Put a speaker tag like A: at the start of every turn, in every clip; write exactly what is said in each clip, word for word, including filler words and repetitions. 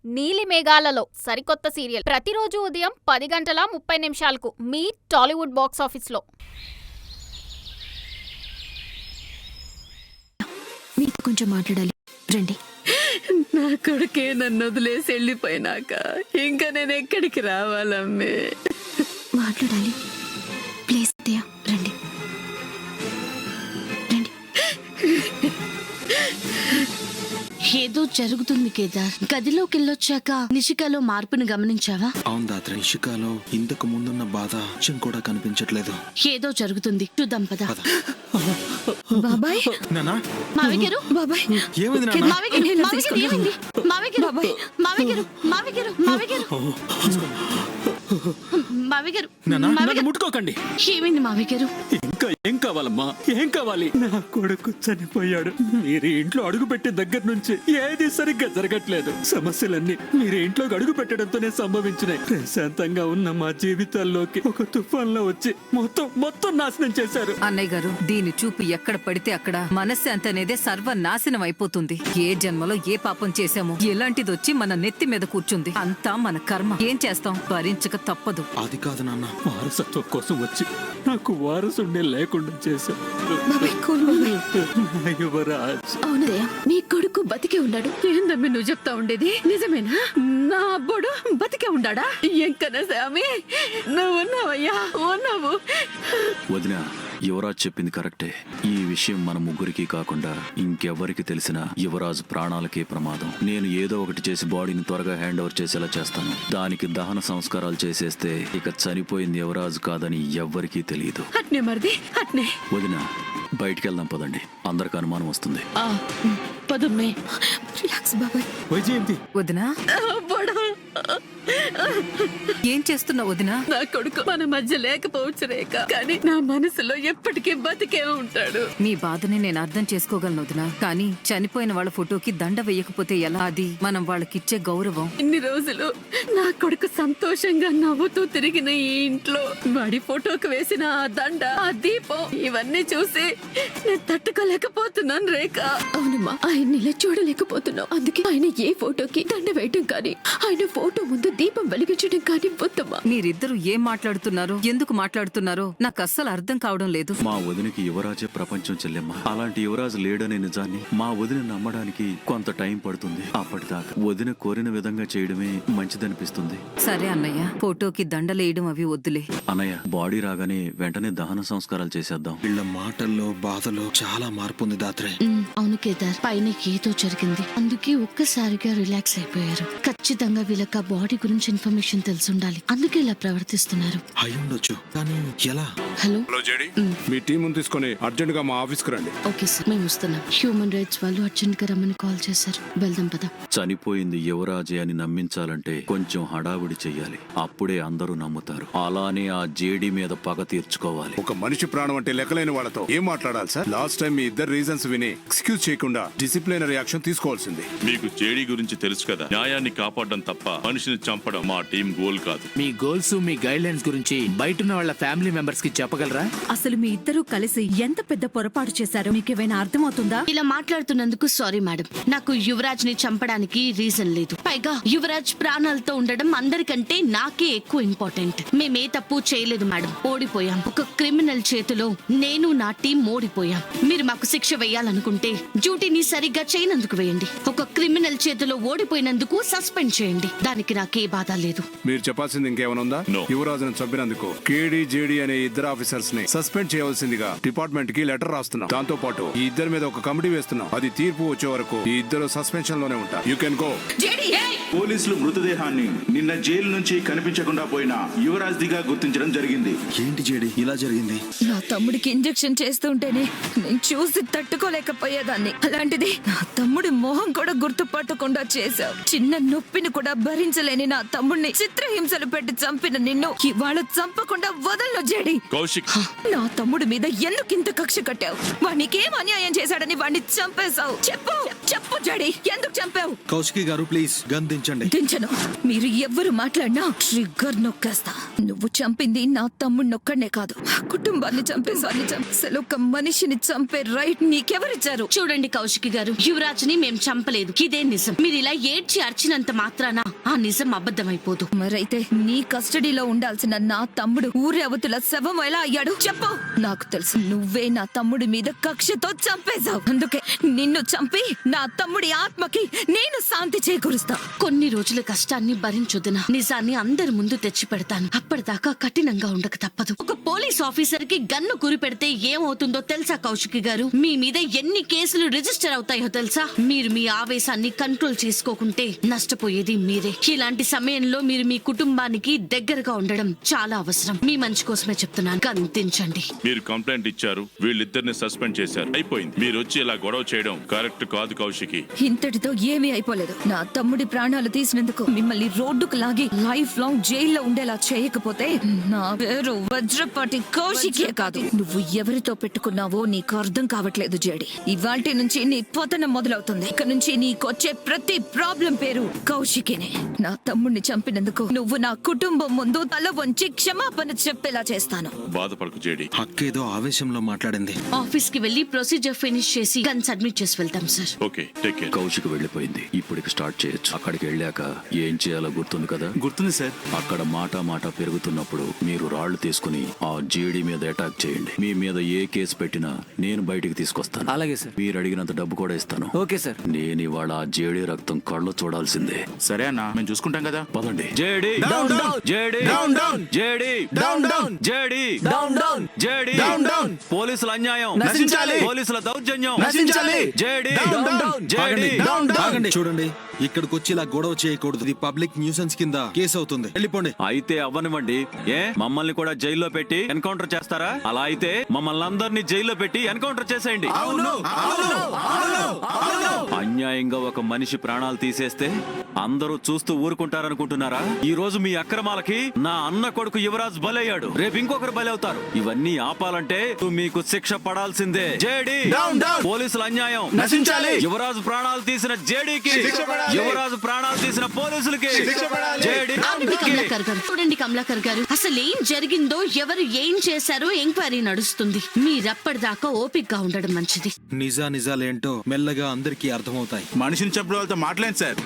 A: నీలి మేఘాలలో సరికొత్త సీరియల్ ప్రతిరోజు ఉదయం పది గంటల ముప్పై నిమిషాలకు మీ టాలీవుడ్ బాక్స్ ఆఫీస్లో.
B: మీతో కొంచెం మాట్లాడాలి, రండి.
C: నా కొడుకే నన్ను వదిలేసి వెళ్ళిపోయినాక ఇంకా నేను ఎక్కడికి రావాలమ్మే?
B: మాట్లాడాలి, ప్లీజ్ అత్తయ్య, రండి రండి. ఏదో జరుగుతుంది కేదార్. గదిలోకి వెళ్ళొచ్చాక నిషికాలో మార్పును గమనించావా?
D: అవును దాత్ర, నిషికాలో ఇంతకు ముందున్న బాధ కొంచెం కూడా కనిపించట్లేదు.
B: ఏదో జరుగుతుంది, చూద్దాం పద.
C: బాబాయ్,
D: నానా
B: మావి గారు,
C: బాబాయ్
D: ఏమైంది నాన్న?
B: మావి గారు, మావి గారు, ఏమైంది? మావి గారు, మావి గారు, మావి గారు, మావి గారు, మావి గారు,
E: నానా,
B: మావి
E: నన్ను
B: గారు.
E: ముట్టుకోకండి.
B: ఏమైంది మావి గారు?
E: ఇంకా ఏం కావాలమ్మా, ఏం కావాలి? నా కొడుకు చనిపోయాడు. మీరు ఇంట్లో అడుగు పెట్టే దగ్గర నుంచి ఏది సరిగ్గా జరగట్లేదు. సమస్యలన్నీ మీరు ఇంట్లో అడుగు పెట్టడంతోనే సంభవించినాయి. ప్రశాంతంగా ఉన్న మా జీవితాల్లోకి ఒక తుఫాన్లో వచ్చి మొత్తం మొత్తం నాశనం చేశారు.
F: అన్నయ్య గారు, దీని చూపు ఎక్కడ పడితే అక్కడ మనశ్శాంతి అనేదే సర్వనాశనం అయిపోతుంది. ఏ జన్మలో ఏ పాపం చేశామో ఎలాంటిది వచ్చి మన నెత్తి మీద కూర్చుంది. అంతా మన కర్మ. ఏం చేస్తాం, భరించక తప్పదు.
D: అది కాదు నాన్న,
E: వారసత్వం కోసం వచ్చి నాకు వారసుండే లేకుండా చేశారు. నా యువరాజ్.
C: అవునదయ్యా, మీ కొడుకు బతికే ఉన్నాడు. ఏందమ్మి నువ్వు చెప్తా ఉండేది నిజమేనా? నా అబ్బోడు బతికే ఉన్నాడా? ఎంకన్నా స్వామి, నువ్వు ఉన్నావయ్యా, ఉన్నావు.
G: వదిన, యువరాజ్ చెప్పింది కరెక్టే. ఈ విషయం మన ముగ్గురికి కాకుండా ఇంకెవ్వరికి తెలిసినా యువరాజ్ ప్రాణాలకే ప్రమాదం. నేను ఏదో ఒకటి చేసి బాడీని త్వరగా హ్యాండ్ ఓవర్ చేసేలా చేస్తాను. దానికి దహన సంస్కారాలు చేసేస్తే ఇక చనిపోయింది యువరాజ్ కాదని ఎవ్వరికీ తెలియదు.
C: అట్నే మరిది, అట్నే.
G: వదిన, బయటికి వెళ్దాం పదండి, అందరికి అనుమానం వస్తుంది.
C: పదమ్మే.
B: రిలాక్స్ బాబాయ్.
E: వైజయంతి,
F: వదినా,
C: అబ్బోడు,
F: ఏం చేస్తున్నావు వదినా?
C: నా కొడుకు మన మధ్య లేకపోవచ్చు రేఖ, కానీ నా మనసులో ఎప్పటికీ బతికే ఉంటాడు.
F: మీ బాధని నేను అర్థం చేసుకోగలను వదినా, కానీ చనిపోయిన వాళ్ళ ఫోటోకి దండ వేయకపోతే ఎలా? అది మనం వాళ్ళకిచ్చే గౌరవం.
C: ఇన్ని రోజులు నా కొడుకు సంతోషంగా నవ్వుతూ తిరిగిన ఈ ఇంట్లో వాడి ఫోటోకి వేసిన ఆ దండ, ఆ దీపం, ఇవన్నీ చూసి నేను తట్టుకోలేకపోతున్నాను రేఖ. అవునమ్మా, ఆయన ఇలా చూడలేకపోతున్నావు. అందుకే ఆయన ఏ ఫోటోకి దండ వేయటం కానీ, ఆయన ఫోటో ముందు దీపం వెలిగించడం కానీ వద్దమ్మా.
F: మీరిద్దరూ ఏం మాట్లాడుతున్నారో, ఎందుకు మాట్లాడుతున్నారో నాకు అస్సలు అర్థం కావడం లేదు.
G: మా వదినకి యువరాజే ప్రపంచం చెల్లెమ్మ. అలాంటి యువరాజు లేడనే నిజాన్ని మా వదిన నమ్మడానికి కొంత టైం పడుతుంది. అప్పటిదాకా వదిన కోరిన విధంగా చేయడమే మంచిదనిపిస్తుంది.
F: సరే అన్నయ్య, ఫోటోకి దండలేయడం అవి వద్దులే.
G: అన్నయ్య, బాడీ రాగానే వెంటనే దహన సంస్కారాలు చేసేద్దాం.
D: వీళ్ళ మాటల్లో బాధలో చాలా మార్పు ఉంది దాత్రే.
B: ఉమ్, అవును కేదార్, పైన ఏదో జరిగింది, అందుకే ఒక్కసారిగా రిలాక్స్ అయిపోయారు. ఖచ్చితంగా వీళ్ళకి ఆ బాడీ గురించి ఇన్ఫర్మేషన్ తెలిసి ఉండాలి, అందుకే ఇలా ప్రవర్తిస్తున్నారు.
D: అయ్యుండొచ్చు, కానీ ఎలా?
B: హలో
H: హలో జేడి, మీ టీం తీసుకొని అర్జెంట్ గా మా ఆఫీస్ కు రండి.
B: ఓకే సార్, మేము వస్తున్నాం. హ్యూమన్ రైట్స్ వాళ్ళు అర్జెంట్ గా రమ్మని కాల్ చేశారు. వెళ్దాం పద.
G: చనిపోయింది యువరాజే అని నమ్మించాలంటే కొంచెం హడావిడి చెయ్యాలి. అప్పుడే అందరూ నమ్ముతారు. అలానే ఆ జేడీ మీద పగ తీర్చుకోవాలి.
H: ఒక మనిషి ప్రాణం అంటే లెక్కలేని వాళ్ళతో ఏం మాట్లాడాలి సార్? లాస్ట్ టైం మీ ఇద్దరు రీజన్స్ విని ఎక్స్క్యూజ్ చేయకుండా డిసిప్లినరీ యాక్షన్ తీసుకోవాల్సింది.
I: మీకు జేడీ గురించి తెలుసు కదా, న్యాయాన్ని కాపాడడం తప్ప మనిషిని చంపడం మా టీం గోల్ కాదు.
J: మీ గోల్స్, మీ గైడ్ లైన్స్ గురించి బయట వాళ్ళ ఫ్యామిలీ మెంబర్స్ కి చెప్పగలరా?
K: అసలు మీ ఇద్దరు కలిసి ఎంత పెద్ద పొరపాటు చేశారో మీకేమైనా అర్థమవుతుందా?
B: ఇలా మాట్లాడుతున్నందుకు సారీ మేడం. నాకు యువరాజ్ ని చంపడానికి రీజన్ లేదు. పైగా యువరాజ్ ప్రాణాలతో ఉండడం అందరికంటే నాకే ఎక్కువ ఇంపార్టెంట్. మేమే తప్పు చేయలేదు మేడం, ఓడిపోయాం. ఒక క్రిమినల్ చేతిలో నేను నా టీం ఓడిపోయాం. మీరు మాకు శిక్ష వేయాలనుకుంటే డ్యూటీని సరిగ్గా చేయనందుకు వేయండి. ఒక క్రిమినల్ చేతిలో ఓడిపోయినందుకు సస్పెండ్ చేయండి. దానికి నాకే బాధ లేదు.
H: మీరు చెప్పాల్సింది ఇంకేమైనా ఉందా? యువరాజును చంపినందుకు కేడీ జేడీ అనే ఇద్దరు ఆఫీసర్స్ ని సస్పెండ్ చేయవలసిందిగా డిపార్ట్మెంట్ కి లెటర్ రాస్తున్నాం. దాంతో పాటు ఈ ఇద్దరి మీద ఒక కమిటీ వేస్తున్నాం. అది తీర్పు వచ్చే వరకు ఈ ఇద్దరు సస్పెన్షన్ లోనే ఉంటారు. You can go.
L: పోలీసులు మృతదేహాన్ని నిన్న జైలు నుంచి కనిపించకుండా పోయిన యువరాజ్ దిగా గుర్తించడం జరిగింది.
D: ఏంటి జేడీ ఇలా జరిగింది?
K: నా తమ్ముడికి ఇంజెక్షన్ చేస్తుంటేనే నేను చూసి తట్టుకోలేకపోయేదాన్ని. అలాంటిది నా తమ్ముడి మొహం కూడా గుర్తుపట్టకుండా చేశావు. చిన్న నొప్పిని కూడా భరించలేని నా తమ్ముడిని చిత్రహింసలు పెట్టి చంపిన నిన్ను ఇవాళ చంపకుండా వదలను జేడి.
I: కౌశిక్,
K: నా తమ్ముడి మీద ఎందుకు ఇంత కక్ష కట్టావు? వాడికేం అన్యాయం చేశాడని వాడిని చంపేశావు? చెప్పు చెప్పు జడి ఎందుకు చంపావు?
D: కౌశికి గారు ప్లీజ్ గన్ దించండి.
K: దించను. మీరు ఎవ్వరు మాట్లాడినా ట్రిగ్గర్ నొక్కేస్తా. నువ్వు చంపింది నా తమ్ముడిని ఒక్కడనే కాదు, ఆ కుటుంబాన్ని చంపేసాన్ని చంపేసాలు. ఒక మనిషిని చంపే రైట్ నీకెవరిచ్చారు?
B: చూడండి కౌశికి గారు, యువరాజ్ ని మేం చంపలేదు, ఇదే నిజం. మీరు ఇలా ఏడ్చి అర్చినంత మాత్రాన ఆ నిజం అబద్ధమైపోదు.
K: మరైతే నీ కస్టడీలో ఉండాల్సిన నా తమ్ముడు ఊరి అవతల శవం ఎలా అయ్యాడు చెప్పు. నాకు తెలుసు నువ్వే నా తమ్ముడి మీద కక్షతో చంపేశావు. అందుకే నిన్ను చంపి నా తమ్ముడి ఆత్మకి నేను శాంతి చేకూరుస్తా.
B: కొన్ని రోజుల కష్టాన్ని భరించొద్దున నిజాన్ని అందరి ముందు తెచ్చి పెడతాను. అప్పటిదాకా కఠినంగా ఉండక తప్పదు. ఒక పోలీస్ ఆఫీసర్ కి గన్ను కురి పెడితే ఏమవుతుందో తెలుసా కౌశికి గారు? మీ మీద ఎన్ని కేసులు రిజిస్టర్ అవుతాయో తెలుసా? మీరు మీ ఆవేశాన్ని కంట్రోల్ చేసుకోకుంటే నష్టపోయేది మీరే. ఇలాంటి సమయంలో మీరు మీ కుటుంబానికి దగ్గరగా ఉండడం చాలా అవసరం. మీ మంచి కోసమే చెప్తున్నాను, గంతించండి.
I: మీరు కంప్లైంట్ ఇచ్చారు, వీళ్ళిద్దరిని సస్పెండ్ చేశారు, అయిపోయింది. మీరు వచ్చి ఇలా గొడవ చేయడం కరెక్ట్ కాదు కౌశికి.
K: ఇంతటితో ఏమీ అయిపోలేదు. నా తమ్ముడి ప్రాణాలు తీసినందుకు మిమ్మల్ని రోడ్డుకు లాగి లైఫ్ లాంగ్ జైల్లో ఉండేలా చేయకపోతే నా పేరు వజ్రపాటి కౌశికే కాదు. నువ్వు ఎవరితో పెట్టుకున్నావో నీకు అర్థం కావట్లేదు జేడి. ఇవాల్టి నుంచి నీ పతనం మొదలవుతుంది. ఇక నుంచి నీకొచ్చే ప్రతి ప్రాబ్లం పేరు కౌశికేనే. నా తమ్ముడిని చంపినందుకు నువ్వు నా కుటుంబం ముందు తల వంచి క్షమాపణ చెప్పేలా చేస్తాను.
I: బాధపడకు జేడి.
D: హక్కేదో ఆవేశంలో మాట్లాడింది.
B: ఆఫీస్ కి వెళ్లి ప్రొసీజర్ ఫినిష్ చేసి గన్ సబ్మిట్ చేసి వెళ్తాం sir.
I: Okay, take care.
G: Kaushik వెళ్ళిపోయింది, ఇప్పటికి స్టార్ట్ చేయొచ్చు. అక్కడికి వెళ్ళాక ఏం చేయాలో గుర్తుంది కదా?
J: గుర్తుంది సార్.
G: అక్కడ మాట మాట పెరుగుతున్నప్పుడు మీరు రాళ్లు తీసుకుని ఆ జేడీ మీద అటాక్ చేయండి. మీ మీద ఏ కేసు పెట్టినా నేను బయటికి తీసుకొస్తాను.
J: అలాగే సార్.
G: మీరు అడిగినంత డబ్బు కూడా ఇస్తాను.
J: Okay sir.
G: నేను ఇవాళ ఆ జేడీ రక్తం కళ్ళు చూడాల్సిందే.
L: సరే అన్న, మేము చూసుకుంటాం కదా.
G: పదండి. JD
J: Down, down.
G: JD
J: Down, down.
G: JD
J: Down, down.
G: JD
J: Down, down.
G: JD
J: Down, down.
G: పోలీసుల అన్యాయం
J: నశించాలి.
G: పోలీసుల దౌర్జన్యం
J: నశించాలి.
G: JD
J: Down, down.
G: జేడీ
D: ఆగండి.
J: Down, down.
D: ఆగండి. చూడండి, ఇక్కడికి వచ్చి ఇలా గొడవ చేయకూడదు. ఇది పబ్లిక్ న్యూసెన్స్ కింద కేసు అవుతుంది. వెళ్ళిపోండి.
G: అయితే అవ్వనివ్వండి. ఏ మమ్మల్ని కూడా జైల్లో పెట్టి ఎన్కౌంటర్ చేస్తారా? అలా అయితే మమ్మల్ని అందరినీ జైల్లో పెట్టి ఎన్కౌంటర్ చేసేయండి.
J: అవును అవును అవును అవును.
G: అన్యాయంగా ఒక మనిషి ప్రాణాలు తీసేస్తే అందరూ చూస్తూ ఊరుకుంటారనుకుంటున్నారా? ఈ రోజు మీ అక్రమాలకి నా అన్న కొడుకు యువరాజ్ బలయ్యాడు, రేపు ఇంకొకరు బలవుతారు. ఇవన్నీ ఆపాలంటే మీకు శిక్ష పడాల్సిందే. JD
J: Down, down.
G: పోలీసుల అన్యాయం
J: నశించాలి.
G: యువరాజు ప్రాణాలు తీసిన జేడీకి,
J: శిక్ష పడాలి.
G: యువరాజు ప్రాణాలు తీసిన పోలీసులకి
J: శిక్ష పడాలి.
G: జేడీ
B: ఆగండి కమలాకర్ గారు, చూడండి కమలాకర్ గారు, అసలు ఏం జరిగిందో ఎవరు ఏం చేశారో ఎంక్వైరీ నడుస్తుంది. మీరప్పటిదాకా ఓపికగా ఉండడం మంచిది.
D: నిజా నిజాలేంటో మెల్లగా అందరికీ అర్థమవుతాయి.
L: మనిషిని చంపిన వాళ్ళతో మాట్లాడండి sir.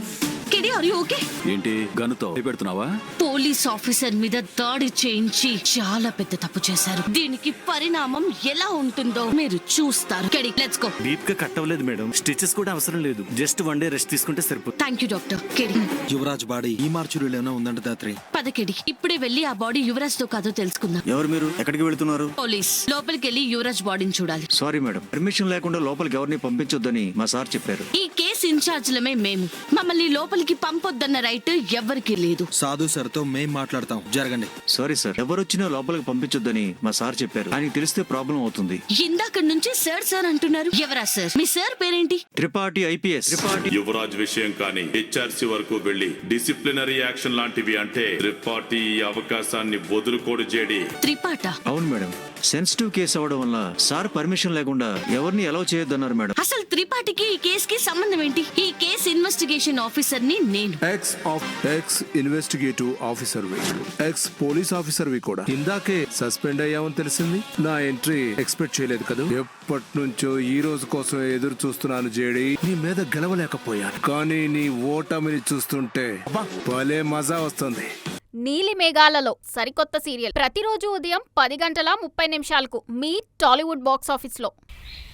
B: KD are you okay?
G: ఏంటి గనుతో పెడుతున్నావా?
B: పోలీస్ ఆఫీసర్ మీద దాడి చేయించి చాలా పెద్ద తప్పు చేశారు. దీనికి పరిణామం ఎలా ఉంటుందో మీరు చూస్తారు. KD let's go.
M: డీప్ గా కట్ అవ్వలేదు మేడం, స్టిచెస్ కూడా అవసరం లేదు, జస్ట్ వన్ డే రెస్ట్ తీసుకుంటే సరిపోతుంది.
B: Thank you doctor. KD
D: Yuvraj body ఈ మార్చురీలో ఏమైనా ఉందంట దాత్రి.
B: పద కెడి, ఇప్పుడే వెళ్ళి ఆ బాడీ యువరాజ్ తో కాదో తెలుసుకుందాం.
M: ఎవరు మీరు? ఎక్కడికి వెళ్తున్నారు?
B: పోలీస్ లోపలికి వెళ్ళి యువరాజ్ బాడీని చూడాలి.
M: సారీ మేడం, పర్మిషన్ లేకుండా లోపలికి ఎవరిని పంపించొద్దని మా సార్ చెప్పారు.
B: ఈ కేసు ఇన్ఛార్జ్లమే మేము. మమ్మల్ని లోపలికి పంపొద్దన్న రైట్ ఎవరికి లేదు.
D: సాధు సార్ తో మేం మాట్లాడతాం, జరగండి.
M: సారీ సార్, ఎవరు వచ్చినా లోపలికి పంపించొద్దని మా సార్ చెప్పారు. ఆయనకి తెలిస్తే ప్రాబ్లం అవుతుంది.
B: ఇందాక నుంచి సార్ సార్ అంటున్నారు. ఎవరా సార్? మీ సార్ పేరేంటి?
M: త్రిపాఠి ఐపీఎస్. త్రిపాఠి
I: యువరాజ్ విషయం కానీ హెచ్ఆర్సీ వరకు వెళ్లి డిసిప్లినరీ యాక్షన్ లాంటివి అంటే త్రిపాఠి ఈ అవకాశాన్ని వదులుకోడు జేడి.
B: త్రిపాఠ?
M: అవును మేడం, సెన్సిటివ్ కేసు అవడం వల్ల సార్ పర్మిషన్ లేకుండా ఎవరిని అలౌ చేయొద్దన్నారు మేడం.
B: అసలు త్రిపాఠికి ఈ కేసుకి సంబంధం ఏంటి? ఈ కేసు ఇన్వెస్టిగేషన్ ఆఫీసర్ ని నేను.
H: Ex of ex investigative officer వి, ఎక్స్ పోలీస్ ఆఫీసర్ వి కూడా. ఇందాకే సస్పెండ్ అయ్యామని తెలిసింది. నా ఎంట్రీ ఎక్స్పెక్ట్ చేయలేదు కదా. ఎప్పటి నుంచో ఈ రోజు కోసం ఎదురు చూస్తున్నాను జేడి. నీ మీద గెలవలేకపోయాను, కానీ నీ ఓటమిని చూస్తుంటే భలే మజా వస్తుంది.
A: నీలి మేఘాలలో సరికొత్త సీరియల్ ప్రతిరోజు ఉదయం పది గంటల ముప్పై నిమిషాలకు మీ టాలీవుడ్ బాక్స్ ఆఫీస్లో.